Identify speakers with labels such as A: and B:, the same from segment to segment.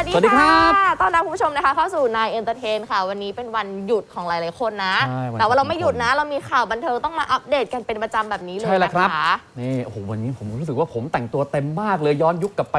A: สวัสดีครับต้อนรับคุณผู้ชมนะคะเข้าสู่นายเอนเตอร์เทนค่ะวันนี้เป็นวันหยุดของหลายๆคนนะแต่ว่าเราไม่หยุดนะเรามีข่าวบันเทิงต้องมาอัปเดตกันเป็นประจำแบบนี้เลยนะคะ
B: นี่โอ้โหวันนี้ผมรู้สึกว่าผมแต่งตัวเต็มมากเลยย้อนยุคกลับไป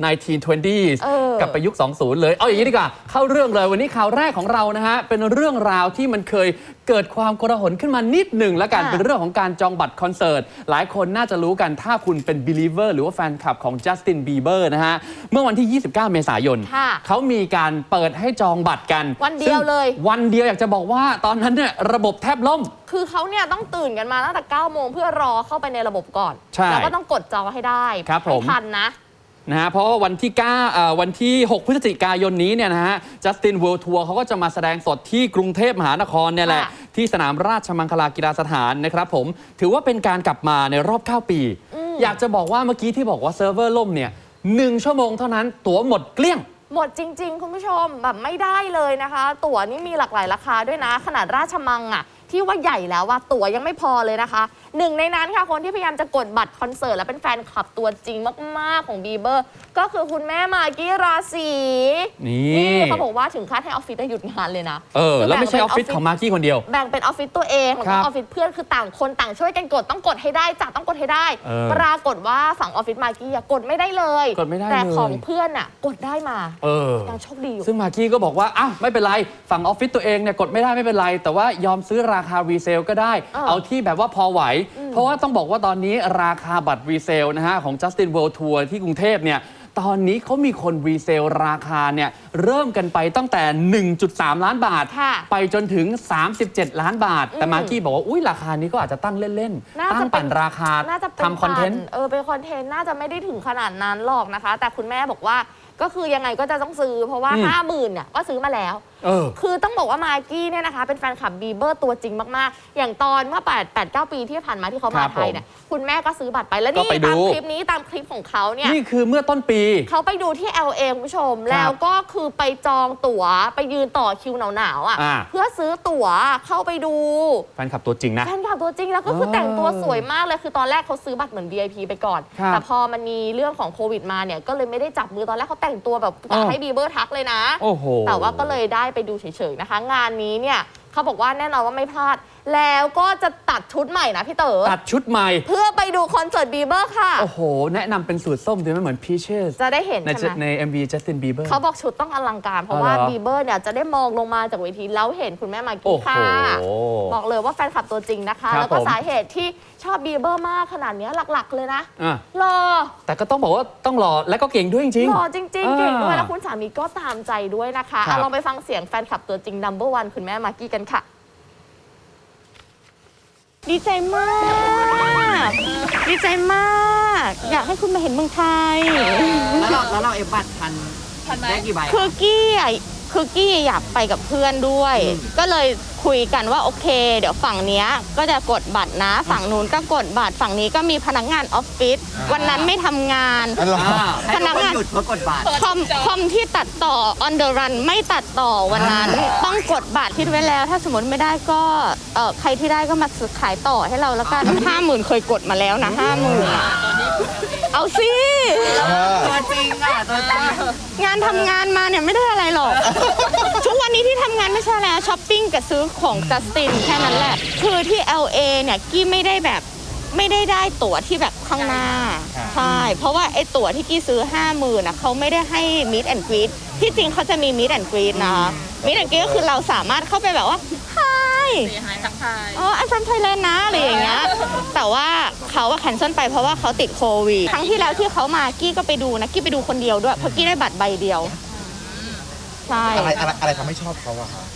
B: 1920s กลับไปยุค 20 เลยเอาอย่างนี้ดีกว่าเข้าเรื่องเลยวันนี้ข่าวแรกของเรานะฮะเป็นเรื่องราวที่มันเคยเกิดความโกลาหลขึ้นมานิดหนึ่งแล้วกันเป็นเรื่องของการจองบัตรคอนเสิร์ตหลายคนน่าจะรู้กันถ้าคุณเป็น believer หรือว่าแฟนคลับของ Justin Bieber นะฮะเมื่อวันที่ 29 เมษายนเขามีการเปิดให้จองบัตรกัน
A: วันเดียวเลย
B: วันเดียวอยากจะบอกว่าตอนนั้นเนี่ยระบบแทบล่ม
A: คือเขาเนี่ยต้องตื่นกันมาตั้งแต่ 9 โมงเพื่อรอเข้าไปในระบบก่อนแล้วก็ต้องกดจองให้ได้ให้ทัน
B: นะฮะเพราะว่าวันที่ 6 พฤศจิกายนนี้เนี่ยนะฮะ Justin World Tour เขาก็จะมาแสดงสดที่กรุงเทพมหานครเนี่ยแหละที่สนามราชมังคลากีฬาสถานนะครับผมถือว่าเป็นการกลับมาในรอบ 9 ปีอยากจะบอกว่าเมื่อกี้ที่บอกว่าเซิร์ฟเวอร์ล่มเนี่ย1 ชั่วโมงเท่านั้นตั๋วหมดเกลี้ยง
A: หมดจริงๆคุณผู้ชมแบบไม่ได้เลยนะคะตั๋วนี่มีหลากหลายราคาด้วยนะขนาดราชมังอ่ะที่ว่าใหญ่แล้วว่าตั๋วยังไม่พอเลยนะคะหนึ่งในนั้นค่ะคนที่พยายามจะกดบัตรคอนเสิร์ตและเป็นแฟนคลับตัวจริงมากๆของบีเบอร์ก็คือคุณแม่มากกี้ราศีนี่เขาบอกว่าถึงขั้นให้ออฟฟิศหยุดงานเลยนะ
B: แล้วไม่ใช่ออฟฟิศของมากกี้คนเดียว
A: แบ่งเป็นออฟฟิศตัวเองแล้วก็ออฟฟิศเพื่อนคือต่างคนต่างช่วยกันกดต้องกดให้ได้จ้ะต้องกดให้ได้ปรากฏว่าฝั่งออฟฟิศมากกี้กดไม่ได้เลยแต่ของเพื่อนอ่ะกดได้มายังโชคดีอยู่
B: ซึ่งมากกี้ก็บอกว่าอ้าวไม่เป็นไรฝั่งออฟฟิศตัวเองเนี่ยกดไม่ได้ไม่เป็นไรแต่ว่ายอมซื้อราคารีเซลก็ได้เอาที่แบบว่าพอไหวเพราะว่าต้องบอกว่าตอนนี้ราคาบัตรรีเซลนะฮะของ Justin World Tour ที่กรุงเทพเนี่ยตอนนี้เขามีคนรีเซลราคาเนี่ยเริ่มกันไปตั้งแต่ 1.3 ล้านบาทไปจนถึง37 ล้านบาทแต่มากกี้บอกว่าอุ้ยราคานี้ก็อาจจะตั้งเล่นๆตั้งปั่นราคาทำคอนเทนต์
A: เป็นคอนเทนต์น่าจะไม่ได้ถึงขนาดนั้นหรอกนะคะแต่คุณแม่บอกว่าก็คือยังไงก็จะต้องซื้อเพราะว่า 50,000 เนี่ยก็ซื้อมาแล้วคือต้องบอกว่ามากกี้เนี่ยนะคะเป็นแฟนคลับบีเบอร์ตัวจริงมากๆอย่างตอนเมื่อ8-9 ปีที่ผ่านมาที่เขามาไทยเนี่ยคุณแม่ก็ซื้อบัตรไปแล้วนี่ตามคลิปนี้ตามคลิปของเขาเนี่ย
B: นี่คือเมื่อต้นปี
A: เขาไปดูที่ LA คุณผู้ชมแล้วก็คือไปจองตั๋วไปยืนต่อคิวหนาวๆอ่ะเพื่อซื้อตั๋วเข้าไปดู
B: แฟนคลับตัวจริงนะ
A: แฟนคลับตัวจริงแล้วก็คือแต่งตัวสวยมากเลยคือตอนแรกเขาซื้อบัตรเหมือน VIP ไปก่อนแต่พอมันมีเรื่องของโควิดมาเนี่ยก็เลยไม่ได้จับมือตอนแรกเขาแต่งตัวแบบให้บีเบอร์ทักเลยนะแต่ว่าก็เลยได้ไปดูเฉยๆนะคะงานนี้เนี่ยเขาบอกว่าแน่นอนว่าไม่พลาดแล้วก็จะตัดชุดใหม่นะพี่เต๋อ
B: ตัดชุดใหม่
A: เพื่อไปดูคอนเสิร์ตบีเบอร์ค่ะ
B: โอ้โหแนะนำเป็นสูตรส้มดีไหมเหมือน Peaches
A: จะได้เห็นใช่ไหม
B: ใน MV Justin Bieber
A: เขาบอกชุดต้องอลังการเพราะว่าบีเบอร์เนี่ยจะได้มองลงมาจากเวทีแล้วเห็นคุณแม่มากกี้ค่ะบอกเลยว่าแฟนคลับตัวจริงนะคะแล้วก็สาเหตุที่ชอบบีเบอร์มากขนาดนี้หลักๆเลยนะหล่อ
B: แต่ก็ต้องบอกว่าต้องหล่อและก็เก่งด้วยจริง
A: หล่อจริงๆเก่งด้วยแล้วคุณสามีก็ตามใจด้วยนะคะลองไปฟังเสียงแฟนคลับตัวจริง No. 1คุณแม่มากกี้กันค่ะดีใจมากดีใจมากอยากให้คุณมาเห็นเมืองไทย
C: แล้วเราเอฟบัตรทันได้กี่ใบ
A: คือกี้อยากไปกับเพื่อนด้วยก็เลยคุยกันว่าโอเคเดี๋ยวฝั่งนี้ก็จะกดบัตรนะฝั่งนู้นก็กดบัตรฝั่งนี้ก็มีพนักงานออฟฟิศวันนั้นไม่ทำงาน
C: พนักงานหยุดเพราะกดบัตร
A: คอมที่ตัดต่อ on the run ไม่ตัดต่อวันนั้นต้องกดบัตรคิดไว้แล้วถ้าสมมติไม่ได้ก็ใครที่ได้ก็มาขายต่อให้เราแล้วกัน 50,000 เคยกดมาแล้วนะ 50,000เอาสิ
C: ตัวจริงอ่ะตัวจริง
A: งานทำงานมาเนี่ยไม่ได้อะไรหรอกทุกวันนี้ที่ทำงานไม่ใช่แล้วช้อปปิ้งกับซื้อของจัสตินแค่นั้นแหละคือที่ LA เนี่ยกี้ไม่ได้ตั๋วที่แบบข้างหน้าใช่เพราะว่าไอ้ตั๋วที่กี้ซื้อ 50,000น่ะเขาไม่ได้ให้ meet and greet ที่จริงเขาจะมี meet and greet นะคะ meet and greet ก็คือเราสามารถเข้าไปแบบว่า hi
D: ทักทาย
A: I'm from Thailand นะอะไรอย่างเงี้ยแต่ว่าเขาแคนเซิลไปเพราะว่าเขาติดโควิดครั้งที่แล้วที่เขามากี้ก็ไปดูนะกี้ไปดูคนเดียวด้วยเพราะกี้ได้บัตรใบเดียวใช่
C: อะไรทำให้ชอบเขาอะคะ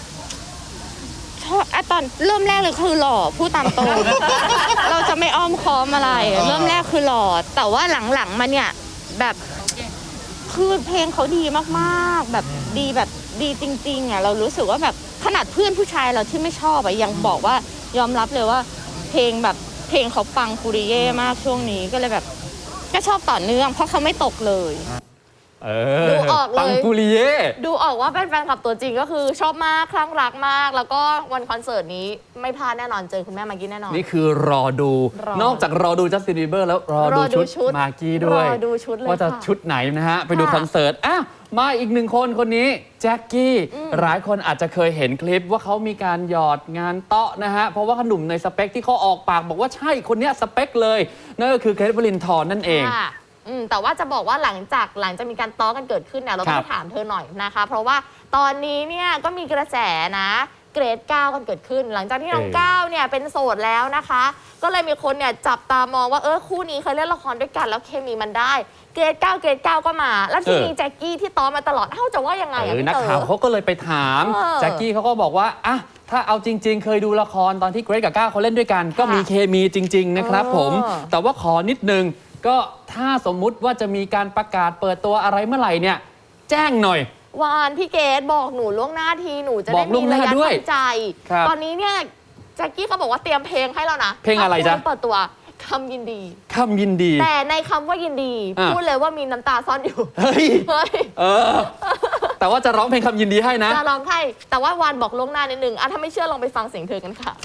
A: ตอนเริ่มแรกเลยคือหล่อพูดตามตรง เราจะไม่อ้อมค้อมอะไรเริ่มแรกคือหล่อแต่ว่าหลังๆมาเนี่ยแบบคือเพลงเขาดีมากๆแบบดีจริงๆอ่ะเรารู้สึกว่าแบบขนาดเพื่อนผู้ชายเราที่ไม่ชอบยังบอกว่ายอมรับเลยว่าเพลงเขาปังปุริเย่มากช่วงนี้ก็เลยแบบก็ชอบต่อเนื่องเพราะเขาไม่ตกเลยดูออกเลย
B: ปังปูริเย่
A: ดูออกว่าเป็นแฟนคลับตัวจริงก็คือชอบมากคลั่งรักมาก แล้วก็วันคอนเสิร์ตนี้ไม่พลาดแน่นอนเจอคุณแม่มากกี้แน่นอน
B: นี่คือรอดู นอกจากรอดูจัสตินบีเบอร์แล้วรอดูชุดมากกี้ด้วย
A: รอดูชุดเลย
B: ว่าจะ
A: ค่ะ
B: ชุดไหนนะฮะ ไปดูคอนเสิร์ตมาอีกหนึ่งคนนี้แจ็คกี้หลายคนอาจจะเคยเห็นคลิปว่าเขามีการหยอดงานเตาะนะฮะ เพราะว่าขนุ่มในสเปคที่เขาออกปากบอกว่าใช่คนเนี้ยสเปคเลย นั่นก็คือเกรทวลินทร์นั่นเอง
A: ค่ะแต่ว่าจะบอกว่าหลังจากมีการต้อกันเกิดขึ้นเนี่ยเราต้องไปถามเธอหน่อยนะคะ เพราะว่าตอนนี้เนี่ยก็มีกระแสนะเกรด9กันเกิดขึ้น หลังจากที่น้องก้าวเนี่ยเป็นโสดแล้วนะคะ ก็เลยมีคนเนี่ยจับตามองว่าคู่นี้เคยเล่นละครด้วยกันแล้วเคมีมันได้เกรด9ก็มา แล้วที่มีแจ็คกี้ที่ต้อมาตลอดจะว่ายังไงพี่
B: นัก
A: เต๋อ
B: ข่าวเขาก็เลยไปถามแจ็คกี้เขาก็บอกว่าถ้าเอาจริง ๆ เคยดูละครตอนที่เกรทกับก้าวเขาเล่นด้วยกัน ก็มีเคมีจริง ๆ นะครับผมแต่ว่าขอนิดนึงก็ถ้าสมมุติว่าจะมีการประกาศเปิดตัวอะไรเมื่อไหร่เนี่ยแจ้งหน่อยว
A: านพี่เกดบอกหนูล่วงหน้าทีหนูจะได้มีระยะทางใจ ตอนนี้เนี่ยแจ็คกี้เขาบอกว่าเตรียมเพลงให้แล้วนะ
B: เพลงอะไรจ๊ะ
A: เปิดตัวคำยินดี
B: คำยินดี
A: แต่ในคำว่ายินดีพูดเลยว่ามีน้ำตาซ่อนอยู่
B: เฮ้ยแต่ว่าจะร้องเพลงคำยินดีให้นะ
A: จะร้องให้แต่ว่าวานบอกล่วงหน้านิดนึงถ้าไม่เชื่อลองไปฟังเสียงเธอกันค่ะ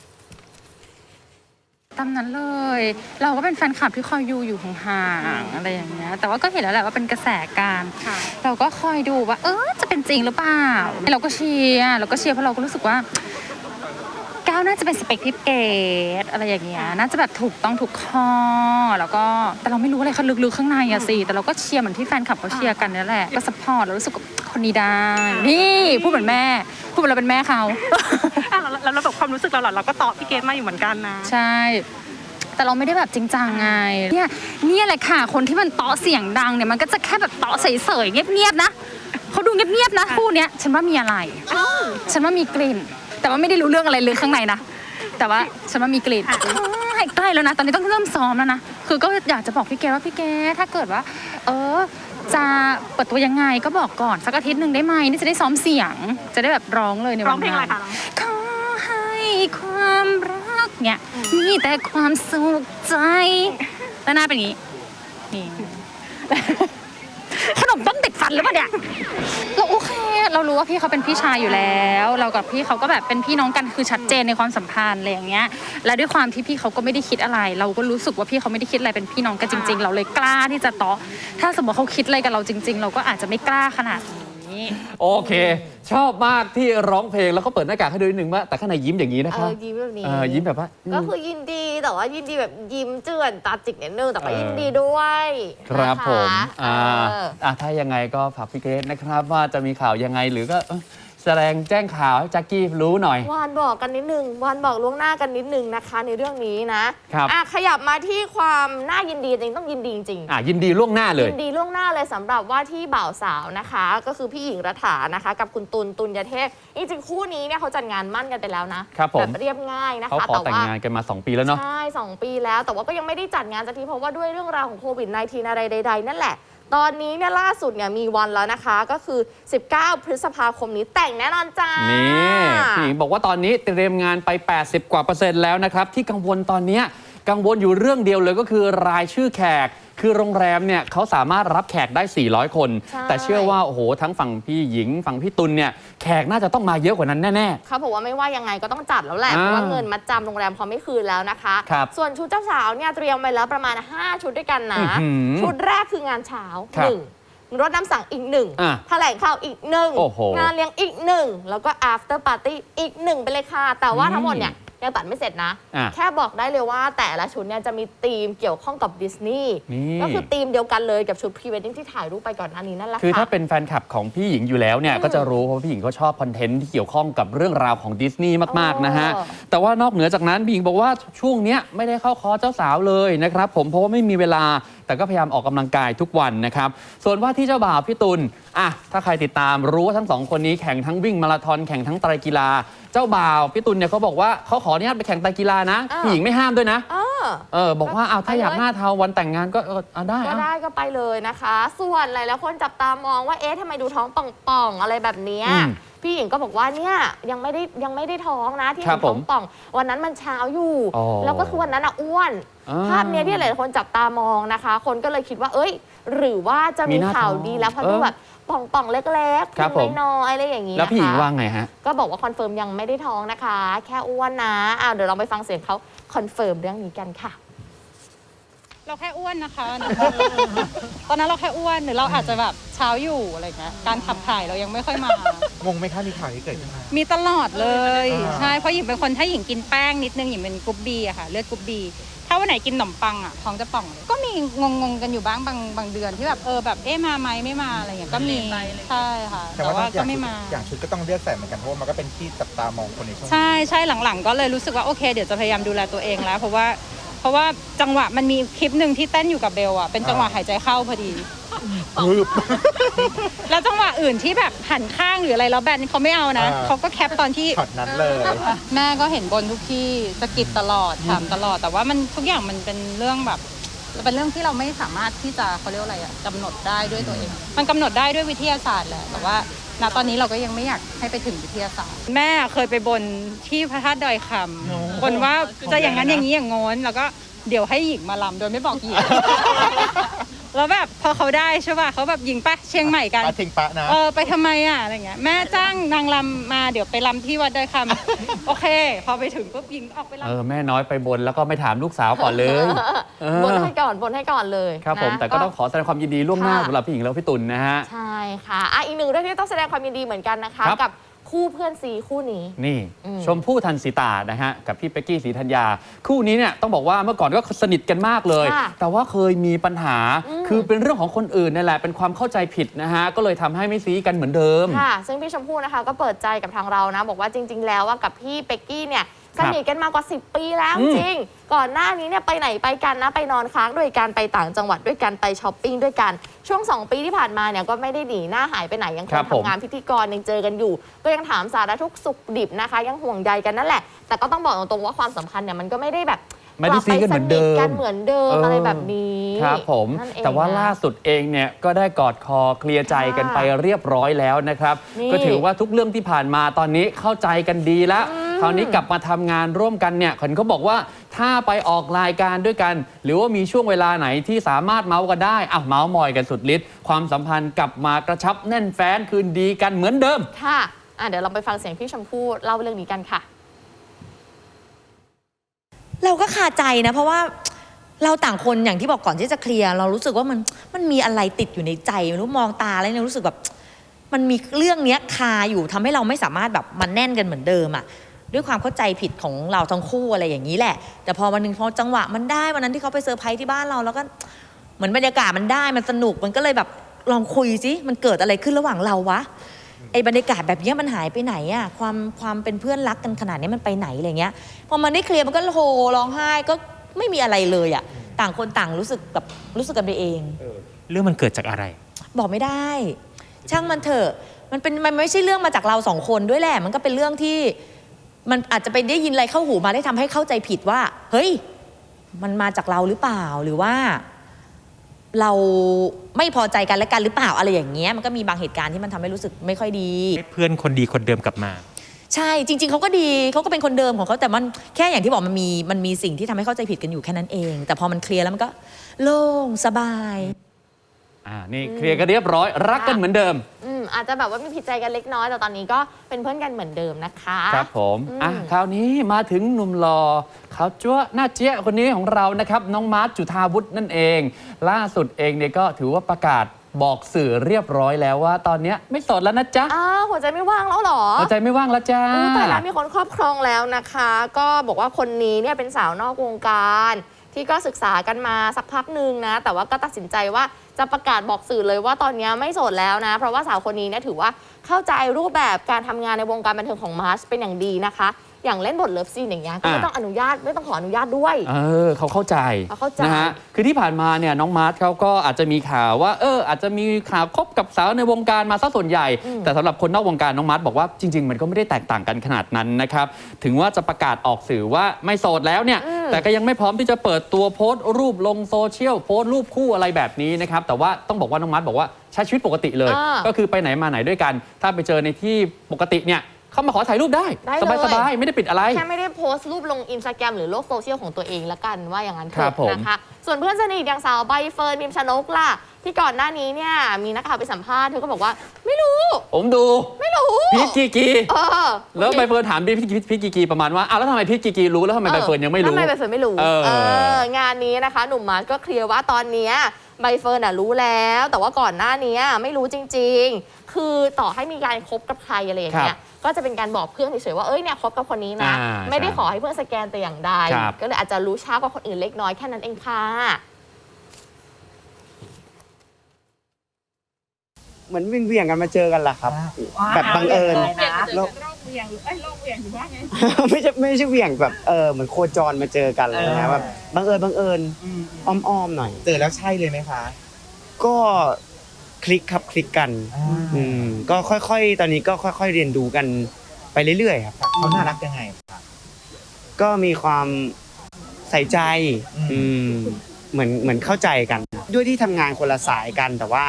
D: ตามนั้นเลยเราก็เป็นแฟนคลับที่คอยอยู่ห่างๆอะไรอย่างเงี้ยแต่ว่าก็เห็นแล้วแหละว่าเป็นกระแสการเราก็คอยดูว่าจะเป็นจริงหรือเปล่าเราก็เชียร์เพราะเราก็รู้สึกว่าก้าวน่าจะเป็นสเปคที่เกตอะไรอย่างเงี้ยน่าจะแบบถูกต้องทุกข้อแล้วก็แต่เราไม่รู้อะไรเขาลึกๆข้างในอะสิแต่เราก็เชียร์เหมือนที่แฟนคลับเขาเชียร์กันนั่นแหละก็ซัพพอร์ตเรารู้สึกคนนี้ได้นี่พูดเหมือนแม่พูดเหมือนเราเป็นแม่เขา
E: แล้วแบบความรู้สึกเราหรอเราก็ตอบพี่เกดมาอยู่เหมือนกันนะ
D: ใช่แต่เราไม่ได้แบบจริงจังไงเนี่ยแหละค่ะคนที่มันเตาะเสียงดังเนี่ยมันก็จะแค่แบบเตาะเฉยๆเงียบๆนะเขาดูเงียบๆนะคู่เนี้ยฉันว่ามีอะไรฉันว่ามีกลิ่นแต่ว่าไม่ได้รู้เรื่องอะไรเลยข้างในนะแต่ว่าฉันว่ามีกลิ่นใกล้แล้วนะตอนนี้ต้องเริ่มซ้อมแล้วนะคือก็อยากจะบอกพี่เกดว่าพี่เกดถ้าเกิดว่าจะเปิดตัวยังไงก็บอกก่อนสักอาทิตย์หนึ่งได้ไหมนี่จะได้ซ้อมเสียงจะได้แบบร้องเลยในวันนั้น
E: ร้องเพลงอะไรคะ
D: ขอให้ความรักเนี่ยมีแต่ความสุขใจแล้วหน้าเป็นอย่างนี้นี่ขนมต้มติดฟันหรือเปล่าเนี่ยเราโอเคเรารู้ว่าพี่เขาเป็นพี่ชายอยู่แล้วเรากับพี่เขาก็แบบเป็นพี่น้องกันคือชัดเจนในความสัมพันธ์อะไรอย่างเงี้ยและด้วยความที่พี่เขาก็ไม่ได้คิดอะไรเราก็รู้สึกว่าพี่เขาไม่ได้คิดอะไรเป็นพี่น้องกันจริงๆเราเลยกล้าที่จะต่อถ้าสมมติเขาคิดอะไรกับเราจริงๆเราก็อาจจะไม่กล้าขนาดนี้
B: โอเคชอบมากที่ร้องเพลงแล้วก็เปิดหน้ากากให้ดูนิดนึงว่าแต่ข้างในยิ้มอย่างนี้นะครับ
A: ยิ้มแบบนี้
B: ยิ้มแบบว่า
A: ก็คือยินดีแต่ว่ายินดีแบบยิ้มเจือนตาจิกนิดนึงแต่ว่ายินดีด้วย
B: ครับผมถ้ายังไงก็ฝากพี่เกรซนะครับว่าจะมีข่าวยังไงหรือก็แสดงแจ้งข่าวให้แจ็คกี้รู้หน่อยว
A: านบอกกันนิดนึงวานบอกล่วงหน้ากันนิดนึงนะคะในเรื่องนี้นะครับขยับมาที่ความน่ายินดีจริงต้องยินดีจริง
B: ยินดีล่วงหน้าเลย
A: ยินดีล่วงหน้าเลยสำหรับว่าที่บ่าวสาวนะคะก็คือพี่หญิงรัฐานะคะกับคุณตุลยเทพจริงๆคู่นี้เนี่ยเขาจัดงานมั่นกันไปแล้วนะแบบเรียบง่ายนะคะ
B: เขาขอแต่งงานกันมา2 ปีแล้วเนาะ
A: ใช่2 ปีแล้วแต่ว่าก็ยังไม่ได้จัดงานสักทีเพราะว่าด้วยเรื่องราวของโควิด -19 อะไรใดๆนั่นแหละตอนนี้เนี่ยล่าสุดเนี่ยมีวันแล้วนะคะก็คือ19 พฤษภาคมนี้แต่งแน่นอนจ้า
B: นี่พี่หญิงบอกว่าตอนนี้เตรียมงานไป80%กว่าแล้วนะครับที่กังวลตอนนี้กังวลอยู่เรื่องเดียวเลยก็คือรายชื่อแขกคือโรงแรมเนี่ยเขาสามารถรับแขกได้400 คนแต่เชื่อว่าโอ้โหทั้งฝั่งพี่หญิงฝั่งพี่ตุลเนี่ยแขกน่าจะต้องมาเยอะกว่านั้นแน่ๆ
A: เขาบอกว่าไม่ว่ายังไงก็ต้องจัดแล้วแหละเพราะว่าเงินมัดจำโรงแรมเขาไม่คืนแล้วนะคะส่วนชุดเจ้าสาวเนี่ยเตรียมไปแล้วประมาณ5 ชุดด้วยกันนะชุดแรกคืองานเช้า1รถน้ำสั่งอีก1แถลงข่าวอีก1งานเลี้ยงอีก1แล้วก็ after party อีก1ไปเลยค่ะแต่ว่าทั้งหมดเนี่ยยังตัดไม่เสร็จนะแค่บอกได้เลยว่าแต่ละชุดเนี่ยจะมีธีมเกี่ยวข้องกับดิสนีย์ก็คือธีมเดียวกันเลยกับชุดพรีเวดดิ้งที่ถ่ายรูปไปก่อนหน้านี้นั่นแหละ
B: คือถ้าเป็นแฟนคลับของพี่หญิงอยู่แล้วเนี่ยก็จะรู้เพราะพี่หญิงก็ชอบคอนเทนต์ที่เกี่ยวข้องกับเรื่องราวของดิสนีย์มากๆนะฮะแต่ว่านอกเหนือจากนั้นพี่หญิงบอกว่าช่วงนี้ไม่ได้เข้าคอร์สเจ้าสาวเลยนะครับผมเพราะว่าไม่มีเวลาแต่ก็พยายามออกกำลังกายทุกวันนะครับส่วนว่าที่เจ้าบ่าวพี่ตุลถ้าใครติดตามรู้ว่าทั้ง2 คนนี้แข่งทั้งวิ่งมาราธอนแข่งทั้งไตรกีฬาเจ้าบ่าวพี่ตุลเนี่ยเขาบอกว่าเขาขออนุญาตไปแข่งไตรกีฬานะพี่หญิงไม่ห้ามด้วยนะบอกว่าเอาถ้าอยากหน้าเทาวันแต่งงานก็ได้
A: ก็ได้ก็ไปเลยนะคะ ส่วนหลายๆคนจับตามองว่าเอ๊ะทำไมดูท้องป่องๆอะไรแบบเนี้ยพี่หญิงก็บอกว่าเนี่ยยังไม่ได้ท้องนะที่เห็นท้องป่องวันนั้นมันเช้าอยู่แล้วก็คือวันนั้นอ้วนภาพเนี้ยที่หลายๆคนจับตามองนะคะ คนก็เลยคิดว่าเอ้ยหรือว่าจะมีข่าวดีแล้วเพราะดูแบบป่องๆเล็กๆพุงน้อยๆอะไรอย่างนี้นะคะ
B: แล้วพี่หญิงว่าไงฮะ
A: ก็บอกว่าคอนเฟิร์มยังไม่ได้ท้องนะคะ แค่อ้วนนะเดี๋ยวเราไปฟังเสียงเขาคอนเฟิร์มเรื่องนี้กันค่ะ
D: เราแค่อ้วนนะคะ ตอนนั้นเราแค่อ้วนหรือเราอาจจะแบบเช้าอยู่อะไรเงี้ยการขับถ่ายเรายังไม่ค่อยมาง
F: งไหมคะมีข่าวที่เกิดขึ้นมา
D: มีตลอดเลย ใช่เพราะหญิงเป็นคนถ้าหญิงกินแป้งนิดนึงหญิงเป็นกรุ๊ปบีอะค่ะเลือดกรุ๊ปบีถ้าวันไหนกินขนมปังอะท้องจะป่องเลยก็มีงงกันอยู่บ้างบางเดือนที่แบบแบบมาไหมไม่มาอะไรเงี้ยก็มีใช่ค่ะแต่ว่าก็ไม่มา
F: อย่างชุดก็ต้องเลือกใส่เหมือนกันเพราะมันก็เป็นที่จับตามองคนในช่วง
D: ใช่หลังๆก็เลยรู้สึกว่าโอเคเดี๋ยวจะพยายามดูแลตัวเองแล้วเพราะว่าจังหวะมันมีคลิปหนึ่งที่เต้นอยู่กับเบลอ่ะเป็นจังหวะหายใจเข้าพอดีแล้วจังหวะอื่นที่แบบหันข้างหรืออะไรแล้วแบนเขาไม่เอานะเขาก็แคปตอนที่
F: ช็อตนั้นเลย
D: แม่ก็เห็นบนทุกที่สะกิดตลอดถามตลอดแต่ว่ามันทุกอย่างมันเป็นเรื่องแบบเป็นเรื่องที่เราไม่สามารถที่จะเขาเรียกอะไรอ่ะกำหนดได้ด้วยตัวเองมันกำหนดได้ด้วยวิทยาศาสตร์แหละแต่ว่าณตอนนี้เราก็ยังไม่อยากให้ไปถึงวิทยาศาสตร์แม่เคยไปบนที่พระธาตุดอยคำบนว่าจะอย่างนั้นอย่างนี้อย่างโน้นแล้วก็เดี๋ยวให้หญิงมาลำโดยไม่บอกหญิง แล้วแบบพอเขาได้ใช่ป่ะเขาแบบหญิงไปเชียงใหม่กัน
F: ทิ้งปะนะ
D: ไปทำไมอ่ะอะไรเงี้ยแม่จ้างนางลำมาเดี๋ยวไปลำที่วัดดอยคำ โอเคพอไปถึงปุ๊บหญิงออกไปลำ
B: แม่น้อยไปบนแล้วก็ไม่ถามลูกสาวก่อนเลย
A: บนให้ก่อนเลย
B: ครับผมแต่ก็ต้องขอแสดงความยินดีล่วงหน้าสำหรับพี่หญิงแล้วพี่ตุลนะฮะ
A: ใช่ค่ะอีกหนึ่งเรื่องที่ต้องแสดงความยินดีเหมือนกันนะคะกับคู่เพื่อนซีคู่นี้
B: นี่ชมพู่ทันสีตานะฮะกับพี่เป๊กกี้ศรีธัญญาคู่นี้เนี่ยต้องบอกว่าเมื่อก่อนก็สนิทกันมากเลยแต่ว่าเคยมีปัญหาคือเป็นเรื่องของคนอื่นนี่แหละเป็นความเข้าใจผิดนะฮะก็เลยทำให้ไม่ซีกันเหมือนเดิม
A: ค่ะซึ่งพี่ชมพู่นะคะก็เปิดใจกับทางเรานะบอกว่าจริงๆแล้วว่ากับพี่เป๊กกี้เนี่ยสนิทกันมากว่า10 ปีแล้วจริงก่อนหน้านี้เนี่ยไปไหนไปกันนะไปนอนค้างด้วยกันไปต่างจังหวัดด้วยกันไปช้อปปิ้งด้วยกันช่วง2 ปีที่ผ่านมาเนี่ยก็ไม่ได้หนีหน้าหายไปไหนยังคงทำงานพิธีกรยังเจอกันอยู่ก็ยังถามสารทุกข์สุขดิบนะคะยังห่วงใยกันนั่นแหละแต่ก็ต้องบอกตรงๆว่าความสัมพันธ์เนี่ยมันก็ไม่ได้แบบ
B: ไม่ได้ซีกันเหมือนเดิม
A: อะไรแบบนี้
B: ครับผมแต่ว่าล่าสุดเองเนี่ยก็ได้กอดคอเคลียร์ใจกันไปเรียบร้อยแล้วนะครับก็ถือว่าทุกเรื่องที่ผ่านมาตอนนี้เข้าใจกันดีแล้วคราวนี้กลับมาทำงานร่วมกันเนี่ยเขาบอกว่าถ้าไปออกรายการด้วยกันหรือว่ามีช่วงเวลาไหนที่สามารถเมาส์กันได้เมาส์มอยกันสุดฤทธิ์ความสัมพันธ์กลับมากระชับแน่นแฟ้นคืนดีกันเหมือนเดิม
A: ค่ะเดี๋ยวเราไปฟังเสียงพี่ชมพู่เล่าเรื่องนี้กันค่ะ
G: เราก็คาใจนะเพราะว่าเราต่างคนอย่างที่บอกก่อนที่จะเคลียร์เรารู้สึกว่ามันมีอะไรติดอยู่ในใจไม่รู้มองตาแล้วเนี่ยรู้สึกแบบมันมีเรื่องนี้คาอยู่ทำให้เราไม่สามารถแบบมันแน่นกันเหมือนเดิมด้วยความเข้าใจผิดของเราทั้งคู่อะไรอย่างนี้แหละแต่พอวันนึงพอจังหวะมันได้วันนั้นที่เขาไปเซอร์ไพรส์ที่บ้านเราแล้วก็เหมือนบรรยากาศมันได้มันสนุกมันก็เลยแบบลองคุยสิมันเกิดอะไรขึ้นระหว่างเราวะไอ้บรรยากาศแบบนี้มันหายไปไหนความเป็นเพื่อนรักกันขนาดนี้มันไปไหนอะไรเงี้ยพอมันได้เคลียร์มันก็โฮร้องไห้ก็ไม่มีอะไรเลยต่างคนต่างรู้สึกกันไปเอง
H: เรื่องมันเกิดจากอะไร
G: บอกไม่ได้ช่างมันเถอะมันไม่ใช่เรื่องมาจากเรา2 คนด้วยแหละมันก็เป็นเรื่องที่มันอาจจะไปได้ยินอะไรเข้าหูมาได้ทำให้เข้าใจผิดว่าเฮ้ยมันมาจากเราหรือเปล่าหรือว่าเราไม่พอใจกันและกันหรือเปล่าอะไรอย่างเงี้ยมันก็มีบางเหตุการณ์ที่มันทำให้รู้สึกไม่ค่อยดี
H: เพื่อนคนดีคนเดิมกลับมา
G: ใช่จริงๆเขาก็ดีเขาก็เป็นคนเดิมของเขาแต่มันแค่อย่างที่บอกมันมีสิ่งที่ทำให้เข้าใจผิดกันอยู่แค่นั้นเองแต่พอมันเคลียร์แล้วมันก็โล่งสบาย
B: นี่เคลียร์กันเรียบร้อยรักกันเหมือนเดิม
A: อาจจะแบบว่ามีผิดใจกันเล็กน้อยแต่ตอนนี้ก็เป็นเพื่อนกันเหมือนเดิมนะคะ
B: ครับผมคราวนี้มาถึงหนุ่มหล่อขาวจั๊วหน้าเจี๊ยคนนี้ของเรานะครับน้องมาร์ท จุฑาวุฒินั่นเองล่าสุดเองเนี่ยก็ถือว่าประกาศบอกสื่อเรียบร้อยแล้วว่าตอนนี้ไม่โสดแล้วนะจ๊ะ
A: หัวใจไม่ว่างแล้วหรอ
B: หัวใจไม่ว่างแล้วจ้า
A: แต่แล้วมีคนครอบครองแล้วนะคะก็บอกว่าคนนี้เนี่ยเป็นสาวนอกวงการที่ก็ศึกษากันมาสักพักหนึ่งนะแต่ว่าก็ตัดสินใจว่าจะประกาศบอกสื่อเลยว่าตอนนี้ไม่โสดแล้วนะเพราะว่าสาวคนนี้เนี่ยถือว่าเข้าใจรูปแบบการทำงานในวงการบันเทิงของมาร์ชเป็นอย่างดีนะคะอย่างเล่นบทเลิฟซีนอย่างเงี้ยก็ไม่ต้องไม่ต้องขออนุญาตด้วย
B: เขาเข้าใจนะฮะคือที่ผ่านมาเนี่ยน้องมาร์ชเขาก็อาจจะมีข่าวว่าอาจจะมีข่าวคบกับสาวในวงการมาซะส่วนใหญ่แต่สำหรับคนนอกวงการน้องมาร์ชบอกว่าจริงๆมันก็ไม่ได้แตกต่างกันขนาดนั้นนะครับถึงว่าจะประกาศออกสื่อว่าไม่โสดแล้วเนี่ยแแต่ก็ยังไม่พร้อมที่จะเปิดตัวโพสต์รูปลงโซเชียลโพสต์รูปคู่อะไรแบบนี้นะครับแต่ว่าต้องบอกว่าน้องมัดบอกว่าใช้ชีวิตปกติเลย ก็คือไปไหนมาไหนด้วยกัน ถ้าไปเจอในที่ปกติเนี่ยเข้ามาขอถ่ายรูปได้
A: ได้เลย
B: สบายๆไม่ได้ปิดอะไร
A: แค่ไม่ได้โพสต์รูปลงอินสตาแกรมหรือโลกโซเชียลของตัวเองละกันว่าอย่างนั้นเถ
B: ครับ
A: อะ
B: ผม
A: นะคะส่วนเพื่อนสนิทอย่างสาวใบเฟิร์นพิมชนกล่ะที่ก่อนหน้านี้เนี่ยมีนักข่าวไปสัมภาษณ์เธอก็บอกว่าไม่รู้
B: ผมดู
A: ไม่รู้
B: พีทกีกี
A: เออ
B: แล้วใบเฟิร์นถามพีทกีกีประมาณว่าอ้าวแล้วทำไมพีทกีกีรู้แล้วทำไมใบเฟิร์นยังไม่รู้
A: ทำไมใบเฟิร์นไม่รู้ งานนี้นะคะหนุ่มมาร์ทก็เคลียร์ว่าตอนเนี้ยใบเฟิร์นรู้แล้ว แต่ว่าก่อนหน้านี้ไม่รู้จริงๆ คือต่อให้มีการคบกับใครอะไรอย่างเงี้ยก็จะเป็นการบอกเพื่อนเฉยๆว่าเอ้ยเนี่ยคบกับคนนี้นะ ไม่ได้ขอให้เพื่อนสแกนแต่อย่างใดก็เลยอาจจะรู้ช้ากว่าคนอื่นเล็กน้อยแค่นั้นเองค่ะ
I: เหมือนวิ่งเวียงกันมาเจอกันแหละครับ แบบบังเอิญ
E: โลกเวียงหรือว่าไง
I: ไม่ใช่เวียงแบบเหมือนโคจรมาเจอกันอะไรเลยนะแบบบังเอิญอ้อมๆหน่อย
F: เจอแล้วใช่เลยไหมคะ
I: ก็คลิกครับคลิกกันก็ค่อยๆตอนนี้ก็ค่อยๆเรียนรู้กันไปเรื่อยๆครับ
F: เขาน่ารักยังไงคะ
I: ก็มีความใส่ใจเหมือนเข้าใจกัน ด้วยที่ทำงานคนละสายกันแต่ว่า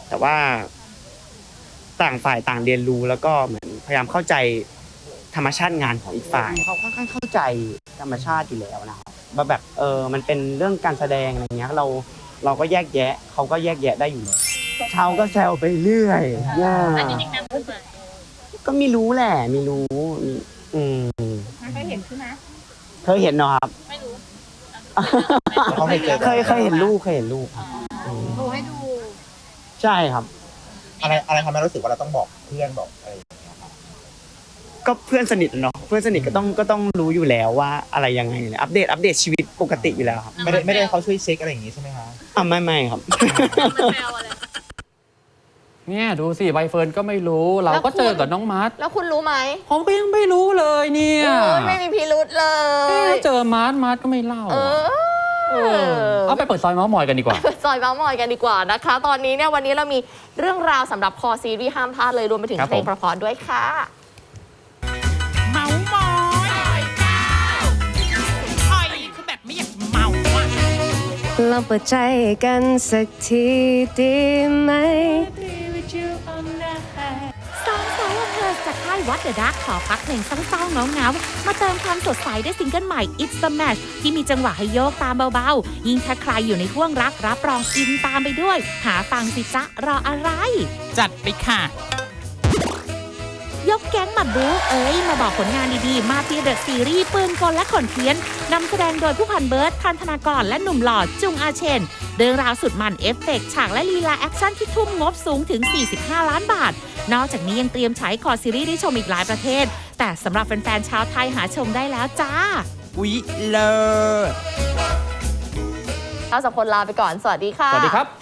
I: ต่างฝ่ายต่างเรียนรู้แล้วก็เหมือนพยายามเข้าใจธรรมชาติงานของอีกฝ่ายเขาค่อนข้างเข้าใจธรรมชาติอยู่แล้วนะครับว่าแบบมันเป็นเรื่องการแสดงอะไรเงี้ยเราก็แยกแยะเขาก็แยกแยะได้อยู่แล้วเช้าก็แซวไปเรื่อยก็ไม่รู้แหละไม่รู้
E: เคยเห็นใช่ไหม
I: เคยเห็นเนาะครับ
E: ไม่รู้
F: เขาเคยเจอ
I: เคยเห็นรูปครับ
E: ดูให้ดู
I: ใช่ครับ
F: อะไรทำให้รู้สึกว่าเราต้องบอกเพื่อนบอกอะไรอย่างเงี้ยครับ
I: ก็เพื่อนสนิทเนาะเพื่อนสนิทก็ต้องรู้อยู่แล้วว่าอะไรยังไงอัปเดตชีวิตปกติอยู่แล้วครับ
F: ไม่ได้เขาช่วยเช็คอะไรอย่างงี้ใช่ไหมคะ
I: ไม่ครับ
B: เนี่ยดูสิใบเฟิร์นก็ไม่รู้เราก็เจอกับน้องมัด
A: แล้วคุณรู้ไหม
B: ผมก็ยังไม่รู้เลยเนี่ย
A: ไม่มีพิรุธเลย
B: เจอมัดก็ไม่เล่าเอาไปเปิดซอยเมาส์มอยกันดีกว่า
A: ซอยเมาส์มอยกันดีกว่านะคะ ตอนนี้เนี่ยวันนี้เรามีเรื่องราวสำหรับคอซีรีส์ห้ามพลาดเลยรวมไปถึง
B: ครับ
A: เพลง
B: ผม
A: เพราะๆด้วยค่ะ
J: เมามอยคอยคือแบบไม่อยากเมาอ่ะ
K: ลองเปิดใจกันสักทีดีไหม
L: สองสาวเธอจากค่ายวัดเดอะดักขอพักเพลงเศร้าๆเงาๆมาเติมความสดใสด้วยซิงเกิลใหม่ It's the Match ที่มีจังหวะให้โยกตามเบาๆ ยิ่งถ้าใครอยู่ในห่วงรักรับรองอินตามไปด้วย หาฟังสิจ๊ะรออะไร
J: จัดไปค่ะ
L: ยกแก๊งมาบู๊มาบอกผลงานดีๆ มาเฟียเดอะซีรีส์ปืนกลและขนเทียนนำแสดงโดยผู้พันเบิร์ดพันธนากรและหนุ่มหล่อจุงอาเชนเรื่องราวสุดมันเอฟเฟกต์ฉากและลีลาแอคชั่นที่ทุ่มงบสูงถึง 45 ล้านบาท นอกจากนี้ยังเตรียมฉายคอซีรีส์ได้ชมอีกหลายประเทศ แต่สำหรับแฟนๆชาวไทยหาชมได้แล้วจ้า
J: อุ๊ยเลิศ
A: เราสองคนลาไปก่อน สวัสดีค่ะ
B: สวัสดีครับ